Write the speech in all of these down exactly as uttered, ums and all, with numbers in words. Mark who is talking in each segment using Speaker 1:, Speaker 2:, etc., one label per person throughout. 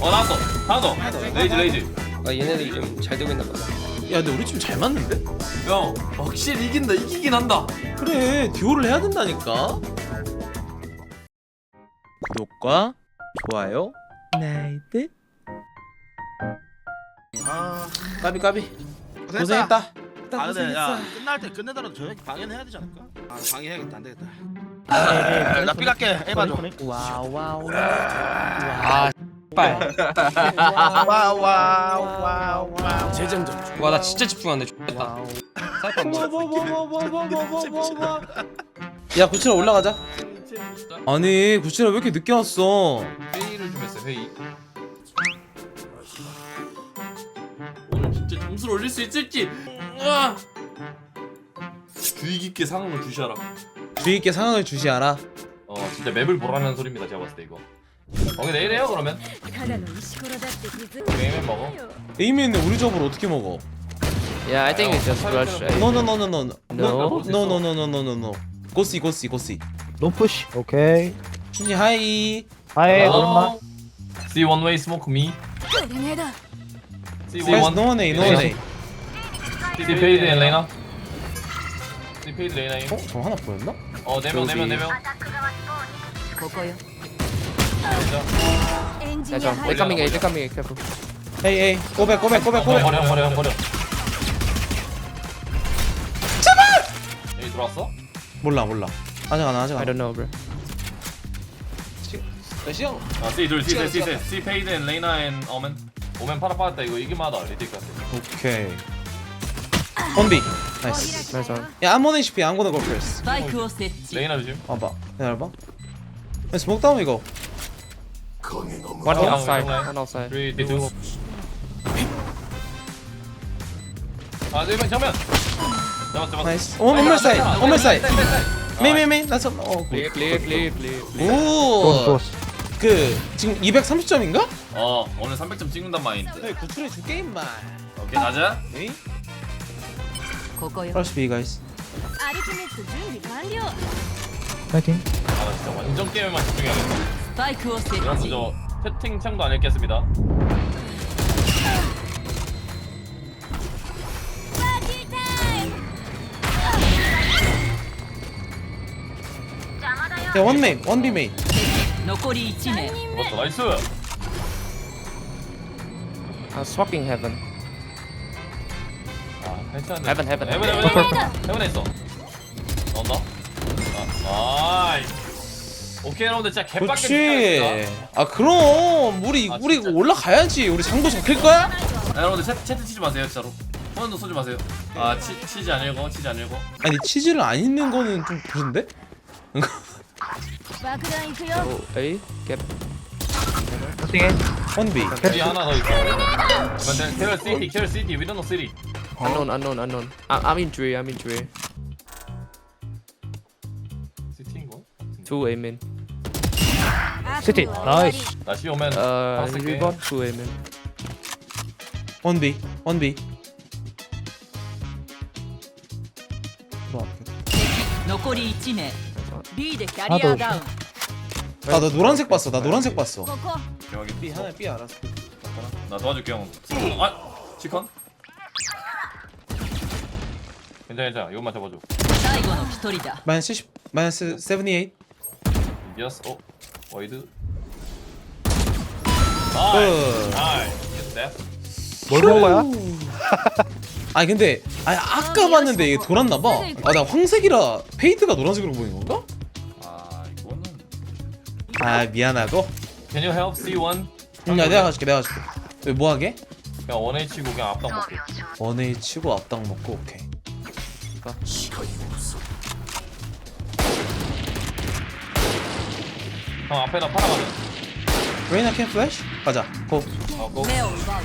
Speaker 1: 어 나왔어. 하나 더. 레이즈 레이즈.
Speaker 2: 아 얘네들 좀 잘 되고 있나 보다.
Speaker 3: 야 근데 우리 팀 잘 맞는데?
Speaker 1: 형 확실히 이긴다. 이기긴 한다.
Speaker 3: 그래 듀오를 해야 된다니까. 구독과 좋아요 나이트.
Speaker 4: 아,
Speaker 3: 까비 까비
Speaker 4: 고생했다.
Speaker 3: 고생했다.
Speaker 4: 아 근데 야 끝날 때 끝내더라도 저녁에 방해해야 되지 않을까? 아 방해해야겠다. 안 되겠다. 나 삐 갈게. 에바 줘.
Speaker 3: 와와우.
Speaker 2: 아 빨.
Speaker 4: 와와와와. 재정전.
Speaker 2: 와나 진짜 집중하는데 X됐다. 사이퍼 안 보여.
Speaker 3: 야 구칠아 올라가자. 아니 구칠아 왜 이렇게 늦게 왔어?
Speaker 1: 회의를 좀 했어요. 회의. 오늘 진짜 점수를 올릴 수 있을지. 으아! 주의 깊게 상황을 주시하라.
Speaker 3: 주의 있게 상황을 주시하라.
Speaker 1: 어 진짜 맵을 보라는 소리입니다. 제가 봤을 때 이거. 오케이 내일 해요 그러면.
Speaker 5: ただの石ころだって気づ
Speaker 1: 게임은 먹어.
Speaker 3: 에이미는 우리 저으로 어떻게 먹어?
Speaker 2: Yeah, I think it's just rush. right?
Speaker 3: No no no no no no
Speaker 2: No?
Speaker 3: no no no no no no no. 고씨 고씨 고씨.
Speaker 6: No push. 오케이.
Speaker 3: 준이 하이.
Speaker 6: 하이
Speaker 1: Hello.
Speaker 6: 오랜만.
Speaker 1: See one way smoke me.
Speaker 5: くグレネード
Speaker 1: See
Speaker 3: Guys,
Speaker 1: one.
Speaker 3: no way, no way.
Speaker 1: See paid and Lena. See paid Lena.
Speaker 3: 어? 저 하나 보였나?
Speaker 1: 어 네 명 네 명 네 명.
Speaker 5: ここよ
Speaker 1: 진짜.
Speaker 5: エンジ
Speaker 2: Yeah,
Speaker 5: ニア
Speaker 2: John. They're coming A. They're coming A. Careful.
Speaker 3: 에이 에이 고백 고백 고백
Speaker 1: 어,
Speaker 3: 고백.
Speaker 1: 버려 버려 버려. 제발. 여기 들어왔어?
Speaker 3: 몰라 몰라. 아직 안 와, 아직
Speaker 2: I
Speaker 3: 안
Speaker 2: don't know, bro.
Speaker 3: 와. 시영.
Speaker 1: 아 C 둘 C 셋 C 셋 C paid and Lena and 오멘. 오멘 팔아 빠졌다 이거 이기마다 리딩 같아.
Speaker 3: 오케이. 원비. 나이스.
Speaker 2: Nice one.
Speaker 3: 야, I'm on H P. I'm gonna go first.
Speaker 5: スパイクを設置
Speaker 1: 레이나 조심.
Speaker 3: 봐봐. 기다려봐. 야, 스모크 다운 이거.
Speaker 2: One
Speaker 1: Oh,
Speaker 2: outside.
Speaker 1: okay.
Speaker 2: One outside.
Speaker 1: three two. 아 네 명 정면. 잡았 잡았.
Speaker 3: 나이스. 온 온물 사이. 온물 사이. 메인 메인 메인. 나서 어.
Speaker 2: Clear, clear, clear, clear.
Speaker 6: 좋았어
Speaker 3: 오.
Speaker 6: 좋았어.
Speaker 3: 그 지금 이백삼십 점인가?
Speaker 1: 어 오늘 삼백 점 찍는단 마인드.
Speaker 3: 구출해 줄게 임마.
Speaker 1: 오케이 가자.
Speaker 3: 에이.
Speaker 5: ここよ
Speaker 3: Rush B guys.
Speaker 5: アルティメット準備完了
Speaker 6: 파이팅.
Speaker 1: 아나 진짜 완전 게임에만 집중해야겠다.
Speaker 5: スパイクを設
Speaker 1: 이런
Speaker 5: 置
Speaker 1: 저 채팅창도 안 읽겠습니다.
Speaker 5: パーティータイム
Speaker 3: 야, 원 메인. 원 B 메인.
Speaker 5: 残りいち名
Speaker 1: 잡았어 나이스.
Speaker 2: I'm swapping heaven.
Speaker 1: 아 괜찮네.
Speaker 2: Heaven, heaven.
Speaker 1: 헤븐 헤븐 헤븐 헤븐에 있어. 나온다. 아 나이스. 오케이 여러분들 진짜 개빡게
Speaker 3: 그렇지. 아, 그럼 우리
Speaker 1: 아,
Speaker 3: 우리
Speaker 1: 진짜.
Speaker 3: 올라가야지. 우리 장도 잡힐 거야?
Speaker 1: 아, 여러분들 채, 채팅 치지 마세요 진짜로. 손도 쏘지 마세요. 아 치, 치지 안 읽어 치지 안 읽어.
Speaker 3: 아니, 치즈를 안 있는 거는 좀 그런데?
Speaker 5: 爆弾行くよ
Speaker 2: Oh, A. Get.
Speaker 6: 파이팅해.
Speaker 3: 원 B.
Speaker 1: 여기 하나 더 있어. 근데 캐럴 시티 캐럴 시티 we don't know city.
Speaker 2: Unknown, unknown, unknown. I, I'm in three. I'm in three.
Speaker 1: 시티인 거?
Speaker 2: Two A main.
Speaker 6: 시티. 나이스.
Speaker 1: 다시 오면
Speaker 2: Uh,
Speaker 1: 박스 게.
Speaker 2: rebound. Two A main.
Speaker 3: 원 B. 원 B.
Speaker 5: 残りいち名 B でキャ
Speaker 6: リア
Speaker 5: ダウン
Speaker 3: 아, 나 노란색 봤어. 나 노란색 봤어.
Speaker 5: ここ
Speaker 1: 여기
Speaker 3: B 하나 B 알았어.
Speaker 1: 나 도와줄게 형. 아 치컨. 괜찮아 괜찮아 이것만 잡아줘.
Speaker 5: 最後の一人だ
Speaker 3: 마이너스 칠십. 마이너스 칠십팔.
Speaker 1: 이어스 어 와이드.
Speaker 3: 그.
Speaker 1: 나이스 나이스. 됐어.
Speaker 6: 뭘 먹어야?
Speaker 3: 아니 근데 아니 아까 봤는데 이게 돌았나 봐. 아, 나 황색이라 페이드가 노란색으로 보이는 건가?
Speaker 1: 아 이거는.
Speaker 3: 아, 미안하고.
Speaker 1: Can you help C one?
Speaker 3: 응, 야, 내가 가줄게. 내가 가줄게. 왜 뭐 하게?
Speaker 1: 그냥 원 H고 그냥 앞당 먹게.
Speaker 3: 원에 치고 앞당 먹고 오케이.
Speaker 1: 형 앞에다 팔아가자.
Speaker 3: 레이나 캠 플래시? 가자. 고.
Speaker 1: 어, 고.
Speaker 5: 目を奪う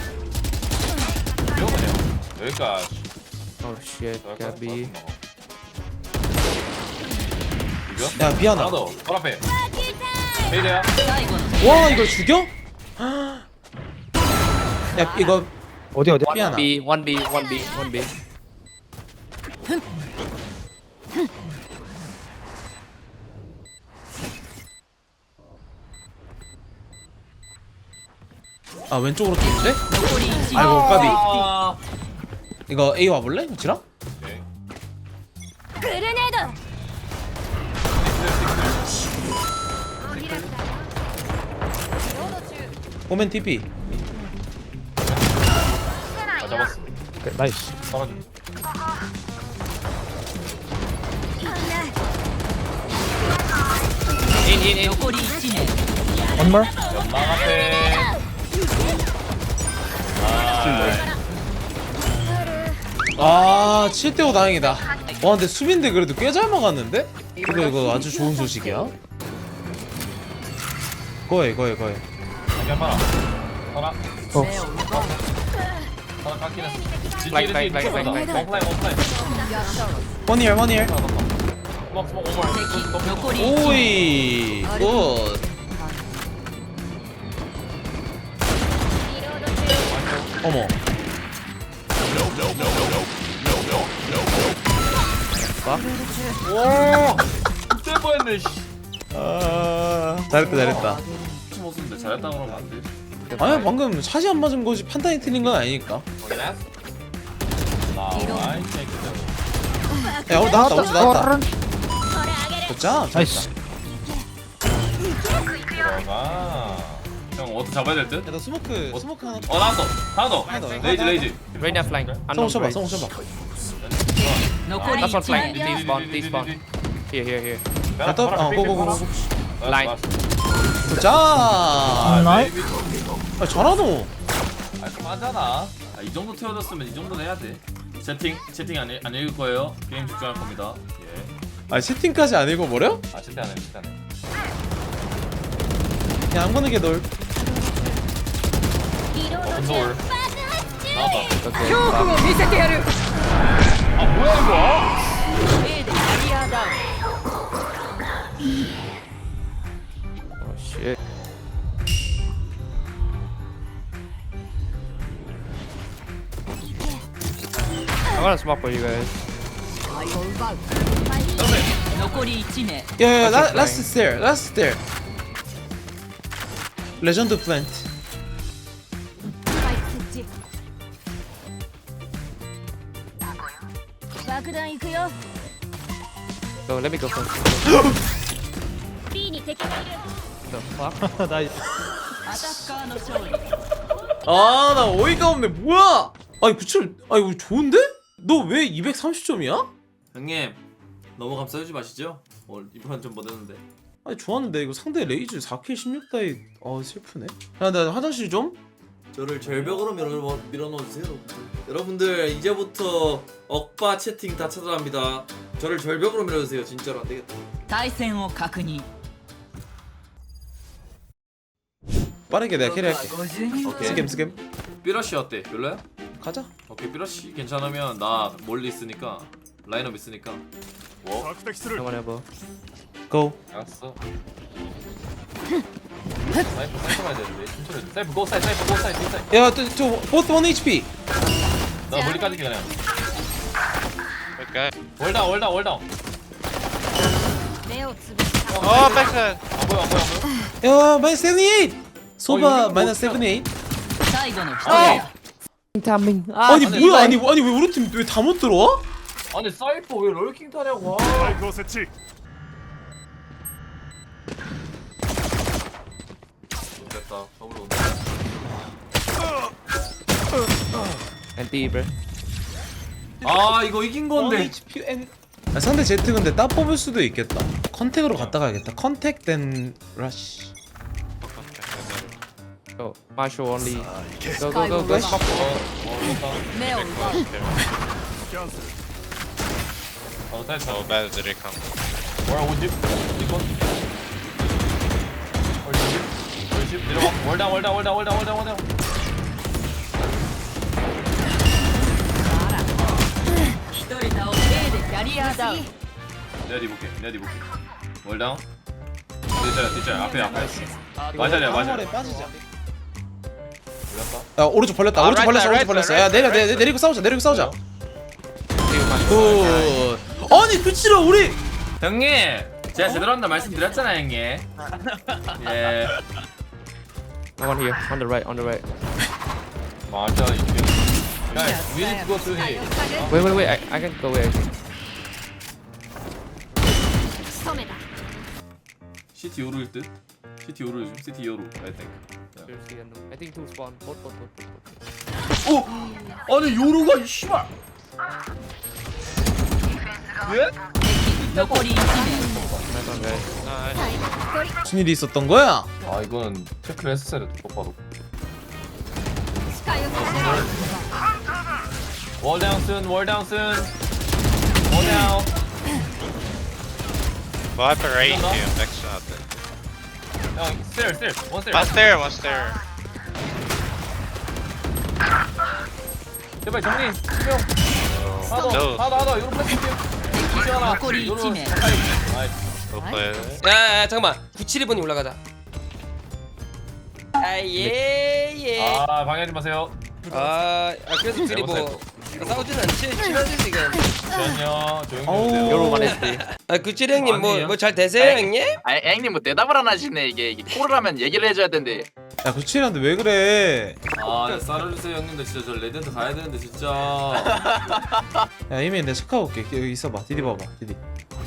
Speaker 1: 이거네요. 여기까지.
Speaker 2: Oh shit. Got B.
Speaker 1: 이거?
Speaker 3: 야, 미안하다.
Speaker 1: 하나 더. 발 앞에. 페이드야.
Speaker 5: 最後の
Speaker 3: 와, 이걸 죽여? 야, 이거
Speaker 6: 어디 어디?
Speaker 3: 미안하.
Speaker 2: B. One B. One B. One B.
Speaker 3: 아 왼쪽으로 뛰는데?
Speaker 5: 残りいち名
Speaker 3: 아이고 까비.
Speaker 1: 아,
Speaker 3: 이거 A 와볼래? 지랑?
Speaker 5: グルネード
Speaker 3: 오멘 티피.
Speaker 1: 아 잡았어.
Speaker 6: 오케이, 나이스.
Speaker 1: 떨어져.
Speaker 2: 인인인
Speaker 5: 残りいち名
Speaker 6: One more.
Speaker 1: 연막 앞에.
Speaker 3: 아 칠 대 오 다행이다. 와 근데 수빈데 그래도 꽤 잘 막았는데? 그래 이거 아주 좋은 소식이야. 거해 거해 거해.
Speaker 1: 자기야 봐라. 봐라.
Speaker 6: 어.
Speaker 1: 하나 깎긴 했어.
Speaker 2: Like, like, like, like, like.
Speaker 1: 원플라이 원플라이.
Speaker 3: 원이얼 원이얼.
Speaker 1: 스모크 스모크 오버.
Speaker 5: 敵残りいち名
Speaker 3: 오이 굿. 어머.
Speaker 1: 오. 그때 뻔했네. 씨.
Speaker 3: 아 잘했다 잘했다.
Speaker 1: 좀 없었는데 잘했다 그러면 안 돼.
Speaker 3: 아니야 방금 샷이 안 맞은 거지 판단이 틀린 건 아니니까.
Speaker 1: 확인했어? 나와이 새끼들.
Speaker 3: 야 어, 나왔다 오지 나왔다. 자
Speaker 6: 나이스.
Speaker 1: 들어가. 형 어디 잡아야 될 듯?
Speaker 3: 야나 스모크 스모크 하나.
Speaker 1: 어 나왔어. 하나 더.
Speaker 3: 하나 더.
Speaker 1: 레이지 레이지.
Speaker 2: Rain are flying.
Speaker 3: 성우
Speaker 2: Unknown
Speaker 3: 쳐봐
Speaker 2: Rain.
Speaker 3: 성우 쳐봐.
Speaker 5: 残り
Speaker 2: Last one
Speaker 5: いち
Speaker 2: flying.
Speaker 5: 名
Speaker 2: They spawn. They spawn. Here, here, here.
Speaker 3: 갔다 어 고고고고.
Speaker 2: Line.
Speaker 3: 자.
Speaker 1: 아,
Speaker 6: 나이스.
Speaker 1: 레이지.
Speaker 3: 아 잘하노.
Speaker 1: 깔끔하잖아. 아, 이 정도 태워줬으면 이 정도는 해야 돼. 채팅 채팅 안, 읽- 안 읽을 거예요. 게임 집중할 겁니다. 예.
Speaker 3: 아 채팅까지 안 읽어버려?
Speaker 1: 아 채팅 안 해, 채팅 안 해.
Speaker 3: 그냥 안 보는 게 널.
Speaker 1: 온돌. 나왔다.
Speaker 2: Okay.
Speaker 5: 恐怖を見せてやる
Speaker 1: 아 뭐야 이거?
Speaker 5: A でキャリアダウン
Speaker 2: Oh shit. I'm gonna smoke for you guys.
Speaker 5: 残りいち名
Speaker 3: 야야
Speaker 2: Okay,
Speaker 3: 라스트 스테어 라스트 스테어. 레전드 플랜트.
Speaker 5: 爆弾行くよ
Speaker 2: Go, let me go first.
Speaker 5: B に敵がいる
Speaker 2: The fuck?
Speaker 6: 나이스.
Speaker 5: アタッカーの勝利
Speaker 3: 아 나 어이가 없네 뭐야? 아니 구칠 아 이거 좋은데? 너 왜 이백삼십 점이야?
Speaker 1: 형님 너무 감싸주지 마시죠. 오늘 이번 좀 못했는데.
Speaker 3: 아니 좋았는데 이거 상대 레이즈 사 킬 십육 다이 어 슬프네. 야 나 화장실 좀.
Speaker 1: 저를 절벽으로 밀어 밀어넣어주세요, 여러분들. 여러분들 이제부터 억바 채팅 다 차단합니다. 저를 절벽으로 밀어주세요. 진짜로 안 되겠다.
Speaker 5: 対戦を確認
Speaker 3: 빠르게 내가 캐리할게.
Speaker 1: 오케이.
Speaker 3: 스캠 스캠.
Speaker 1: 삐러시 어때? 별로야?
Speaker 3: 가자.
Speaker 1: 오케이 삐러시 괜찮으면 나 멀리 있으니까 라인업 있으니까. 뭐?
Speaker 2: Someone elbow.
Speaker 3: 고.
Speaker 1: 알았어. 사이프 사이프 가야 되는데 천천히. 해줘. 사이프 고 사이드 사이프 고 사이드 고 사이드.
Speaker 3: 야저 보스 원 에이치피.
Speaker 1: 나 멀리 까줄게 그냥. 월다운 월다운 월다운.
Speaker 5: 目をつぶした
Speaker 2: Oh, backside.
Speaker 1: 안 보여 안 보여 안 보여.
Speaker 3: 야 마이너스 칠십팔. 소바
Speaker 1: 이거
Speaker 3: 마이너스
Speaker 1: 뭐
Speaker 3: 칠십팔.
Speaker 5: 最後の一人だ
Speaker 2: Timing.
Speaker 3: 아니
Speaker 1: 아니,
Speaker 3: 뭐야
Speaker 1: 라인-
Speaker 3: 아니 아니 왜 우리 팀 왜 다 못 들어와?
Speaker 1: 아니 사이퍼 왜 롤킹 타냐고. 됐다. 더블 온다.
Speaker 2: And B, bro.
Speaker 1: 아 이거 이긴 건데.
Speaker 3: 에이치피 엔. 아, 상대 제트 근데 따 뽑을 수도 있겠다. 컨택으로 갔다 가야겠다. 컨택 된 러쉬.
Speaker 2: Go. Marshall only. Go, go, go, go.
Speaker 1: 어, 어, 됐다.
Speaker 5: 目を奪う
Speaker 1: 어, 됐다.
Speaker 7: Oh, bad did it come?
Speaker 1: 월 오십. 이건. 월 오십. 월 오십. 내려와. 월당 월당 월당 월당 월당 월당.
Speaker 5: A でキャリアダウン
Speaker 1: 내가 뒤볼게. 내가 뒤볼게. 월당. 뒤자야 뒤자야 앞에 앞에. 맞아야 맞아.
Speaker 3: 에 빠지자.
Speaker 1: 올렸다.
Speaker 3: 야 오른쪽 벌렸다.
Speaker 2: 아,
Speaker 3: 오른쪽
Speaker 2: right
Speaker 3: 벌렸어.
Speaker 2: side,
Speaker 3: 오른쪽
Speaker 2: right
Speaker 3: 벌렸어.
Speaker 2: side,
Speaker 3: 야 내려
Speaker 2: right
Speaker 3: 내 내리고 싸우자. 내리고 싸우자.
Speaker 2: Two, Marshall.
Speaker 3: 굿. 아니 그치라 우리.
Speaker 1: 형님, 제가 제대로 한다 말씀드렸잖아요, 형님. 예.
Speaker 2: No one here. On the right. On the right.
Speaker 7: 맞아 이게. Guys, we need to go through here.
Speaker 2: Wait, wait, wait. I, I can go away. I think.
Speaker 1: 시티 요루일 듯. 시티 요루 좀 시티 요루. I think.
Speaker 2: Seriously, I know. I think two spawn. Both, both, both, both. both.
Speaker 1: 어? 아니 요루가 이 씨발. 예?
Speaker 5: 残りいち名
Speaker 2: Nice one, guys.
Speaker 3: 무슨 일이 있었던 거야?
Speaker 7: 아 이거는 체크를 했었어야 돼. 똑바로. Wall down soon. Wall down soon. Wall down.
Speaker 8: Viper right here, next shot.
Speaker 7: 형, stairs, stairs. One stairs.
Speaker 8: One stair, one stair.
Speaker 7: 제발 정리. 형. 하나 더.
Speaker 8: No.
Speaker 7: 하나 더. 하나 더. 요로 패스. 하나.
Speaker 5: 残りいち名
Speaker 8: Go play it.
Speaker 9: 야야 잠깐만 구칠이 번이 올라가자 아예예
Speaker 7: 아 방해하지 마세요.
Speaker 9: 아, 아 그래서 둘이 뭐 싸우진 않지 친하지 지금
Speaker 7: 잠시만요. 조용히
Speaker 3: 어우.
Speaker 7: 해주세요.
Speaker 2: Yoru one H P.
Speaker 9: 아 구칠이 형님 뭐
Speaker 7: 아니에요.
Speaker 9: 뭐 잘 되세요 형님?
Speaker 10: 아 형님 뭐 대답을 안 하시네. 이게, 이게 콜을 하면 얘기를 해줘야 되는데.
Speaker 3: 야 구칠한테 왜 그래?
Speaker 1: 아 쌀어주세요 형님들 진짜 저 레전드 가야 되는데 진짜.
Speaker 3: 야 이미 내가 체크해볼게. 여기 있어봐. 디디 봐봐. 디디.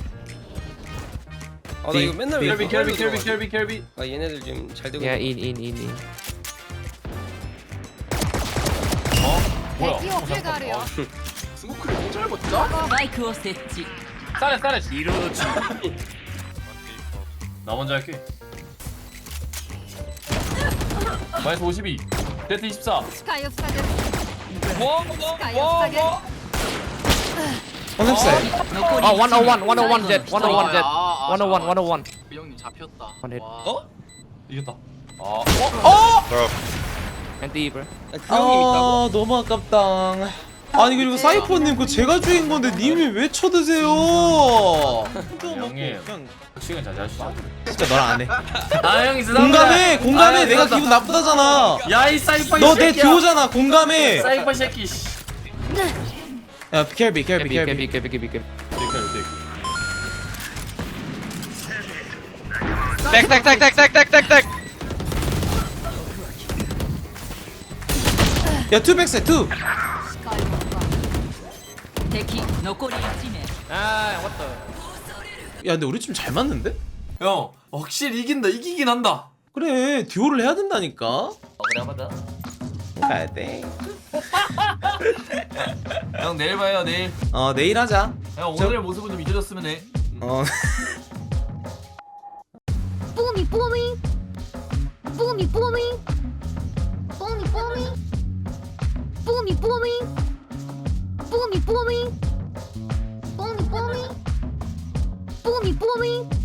Speaker 9: 아 나 이거 맨날 왜
Speaker 7: 켈비 켈비
Speaker 9: 이거
Speaker 7: 켈비 켈비 켈비.
Speaker 9: 아 얘네들 지금 잘 되고
Speaker 2: Yeah, in, in, in, in.
Speaker 7: 뭐야?
Speaker 5: 敵を手があるよ
Speaker 10: 스모크를 혼자 알고 있다?
Speaker 5: スパイクを設置
Speaker 7: 싸네 싸네.
Speaker 8: One default.
Speaker 7: 나 먼저 할게. 마이너스 오십이. 데트 이십사.
Speaker 5: 視界を塞ぐ
Speaker 9: 뭐?
Speaker 5: 視界を塞ぐ
Speaker 3: 컨셉사이.
Speaker 5: 残り
Speaker 2: Oh,
Speaker 5: 1
Speaker 2: one oh one, one oh one jet, one oh one jet.
Speaker 10: 아, 아,
Speaker 2: one oh one,
Speaker 10: 아,
Speaker 2: one oh one.
Speaker 10: 그 형님 잡혔다.
Speaker 2: One hit.
Speaker 10: 와.
Speaker 9: 어?
Speaker 7: 이겼다. 아.
Speaker 8: Bro,
Speaker 2: Anti, bro.
Speaker 9: 아, 그 형님 있다고?
Speaker 3: 아 너무 아깝다. 아니 그리고 사이퍼님 그거 제가 죽인 건데 님이 왜 쳐드세요?
Speaker 7: 형님. 시간 잘 자시죠.
Speaker 3: 진짜 너랑 안 해.
Speaker 1: 아 형이
Speaker 3: 공감해, 공감해. 내가 기분 나쁘다잖아.
Speaker 1: 야이 사이퍼
Speaker 3: 너 내 듀오잖아. 공감해.
Speaker 1: 사이퍼 새끼. 씨.
Speaker 3: 야 켈비, 켈비,
Speaker 2: K
Speaker 3: 켈비.
Speaker 2: B, K B, K B, K B.
Speaker 8: Tech, tech, tech, tech, tech, tech, tech, tech.
Speaker 3: 야 투백세 투.
Speaker 5: 視界を奪う敵残りいち名
Speaker 2: Ah, what the?
Speaker 3: 야 근데 우리 좀 잘 맞는데?
Speaker 1: 형 확실히 이긴다 이기긴 한다.
Speaker 3: 그래 듀오를 해야 된다니까.
Speaker 10: 어, 그래 한번 더.
Speaker 3: 가야 돼.
Speaker 1: 형 내일 봐요 내일.
Speaker 3: 어 내일 하자.
Speaker 1: 형 오늘 모습은 좀 잊어졌으면 해.
Speaker 3: 어.
Speaker 5: 뽀미 뽀미 뽀미 뽀미 뽀미 뽀미 뽀미 뽀미 뽀미 뽀미 뽀미 뽀미 뽀미 뽀미 뽀미